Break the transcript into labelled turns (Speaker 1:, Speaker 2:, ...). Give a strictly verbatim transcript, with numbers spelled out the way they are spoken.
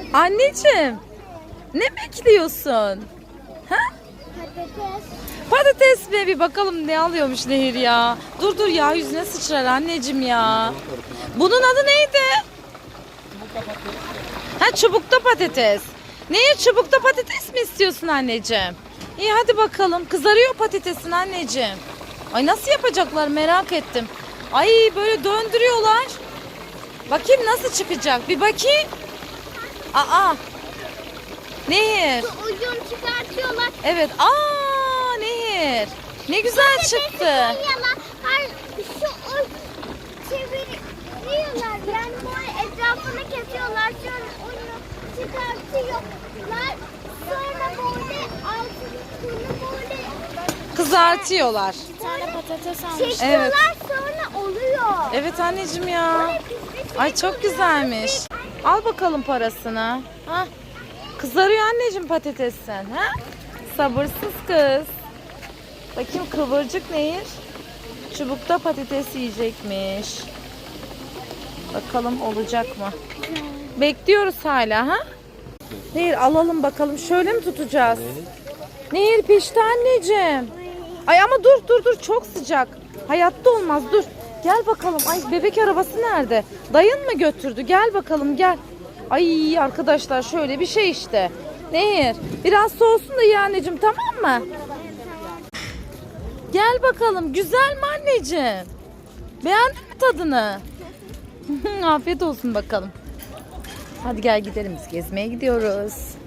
Speaker 1: Anneciğim, ne bekliyorsun? Ha?
Speaker 2: Patates.
Speaker 1: Patates mi? Bir bakalım ne alıyormuş Nehir ya. Dur dur ya, yüzüne sıçrar anneciğim ya. Bunun adı neydi? Ha, çubukta patates. Nehir, çubukta patates mi istiyorsun anneciğim? İyi hadi bakalım. Kızarıyor patatesin anneciğim. Ay nasıl yapacaklar merak ettim. Ay böyle döndürüyorlar. Bakayım nasıl çıkacak. Bir bakayım. Aa. Nehir.
Speaker 2: Şu ucunu çıkartıyorlar.
Speaker 1: Evet. Aa Nehir. Ne güzel çıktı.
Speaker 2: Koyuyorlar. Hayır, şu uç çeviriyorlar. Yani böyle etrafını kesiyorlar. Sonra onu çıkartıyorlar. Sonra böyle altını kuru böyle
Speaker 1: Kızartıyorlar.
Speaker 2: bir tane patates almış. Çekiyorlar
Speaker 1: Evet.
Speaker 2: sonra oluyor.
Speaker 1: Evet anneciğim ya. Ay çok güzelmiş. Al bakalım parasını. Ha? Kızarıyor anneciğim patatesin. Ha? Sabırsız kız. Bakayım kıvırcık Nehir. Çubukta patates yiyecekmiş. Bakalım olacak mı? Bekliyoruz hala ha? Nehir alalım bakalım. Şöyle mi tutacağız? Nehir pişti anneciğim. Ay ama dur dur dur, çok sıcak. Hayatta olmaz, dur. Gel bakalım. Ay bebek arabası nerede? Dayın mı götürdü? Gel bakalım gel. Ay arkadaşlar şöyle bir şey işte. Nehir biraz soğusun da ye anneciğim, tamam mı? Gel bakalım. Güzel mi anneciğim? Beğendin mi tadını? Afiyet olsun bakalım. Hadi gel gidelim, biz gezmeye gidiyoruz.